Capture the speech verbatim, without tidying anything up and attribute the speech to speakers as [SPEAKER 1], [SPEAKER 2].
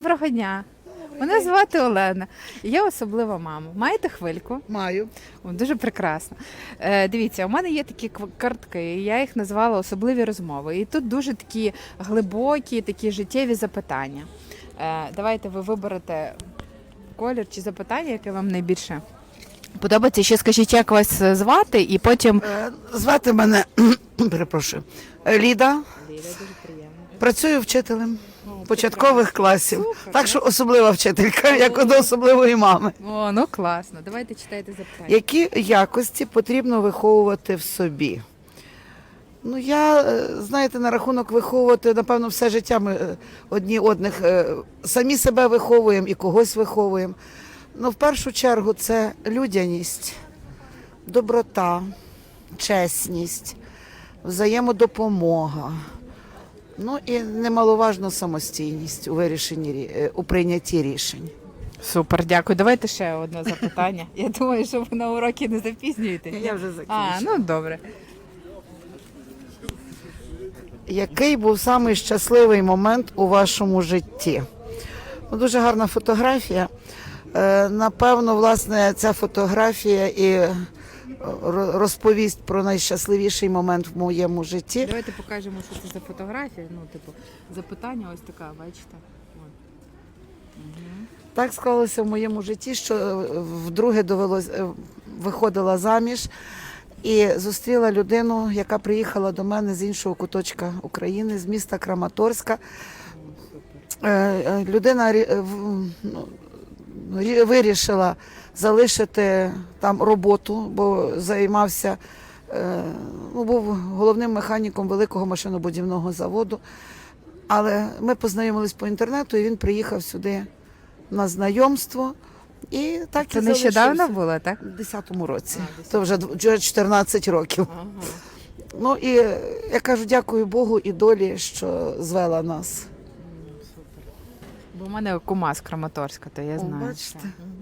[SPEAKER 1] Доброго дня. Мене звати Олена. Я особлива мама. Маєте хвильку?
[SPEAKER 2] Маю.
[SPEAKER 1] О, дуже прекрасно. Е, дивіться, у мене є такі кв- картки, і я їх назвала особливі розмови. І тут дуже такі глибокі, такі життєві запитання. Е, давайте ви виберете колір чи запитання, яке вам найбільше подобається. Ще скажіть, як вас звати, і потім.
[SPEAKER 2] Е, Звати мене, перепрошую, Ліда.
[SPEAKER 1] Ліля, дуже приємно.
[SPEAKER 2] Працюю вчителем
[SPEAKER 1] О,
[SPEAKER 2] початкових класів.
[SPEAKER 1] Супер.
[SPEAKER 2] Так що особлива вчителька, як до особливої мами.
[SPEAKER 1] О, ну класно. Давайте читайте запитання.
[SPEAKER 2] Які якості потрібно виховувати в собі? Ну, я, е, знаєте, на рахунок виховувати, напевно, все життя ми е, одні одних е, самі себе виховуємо і когось виховуємо. Ну, в першу чергу, це людяність, доброта, чесність, взаємодопомога. Ну і немаловажно самостійність у вирішенні рі- е, у прийнятті рішень.
[SPEAKER 1] Супер, дякую. Давайте ще одне запитання. Я думаю, що ви на уроки не запізнюєтесь.
[SPEAKER 2] Я вже
[SPEAKER 1] А,
[SPEAKER 2] закінчила.
[SPEAKER 1] ну добре.
[SPEAKER 2] Який був самий щасливий момент у вашому житті? Ну, дуже гарна фотографія. Е, Напевно, власне, ця фотографія і е, ро- розповість про найщасливіший момент в моєму житті.
[SPEAKER 1] Давайте покажемо, що це за фотографія. Ну, типу, запитання ось така, бачите. От.
[SPEAKER 2] Так склалося в моєму житті, що е, вдруге довелось е, виходила заміж і зустріла людину, яка приїхала до мене з іншого куточка України, з міста Краматорська. Е, е, Людина рі- е, в- ну, рі- вирішила залишити там роботу, бо займався, е, ну, був головним механіком великого машинобудівного заводу. Але ми познайомились по інтернету, і він приїхав сюди на знайомство. І так
[SPEAKER 1] Це
[SPEAKER 2] і
[SPEAKER 1] нещодавно
[SPEAKER 2] залишився.
[SPEAKER 1] було, так?
[SPEAKER 2] У десятому році.
[SPEAKER 1] А, в
[SPEAKER 2] То вже дв- вже чотирнадцять років.
[SPEAKER 1] Ага.
[SPEAKER 2] Ну і е, я кажу, дякую Богу і долі, що звела нас.
[SPEAKER 1] Бо в мене кума з Краматорська, то я
[SPEAKER 2] О,
[SPEAKER 1] знаю.
[SPEAKER 2] бачите.
[SPEAKER 1] що. Мгм.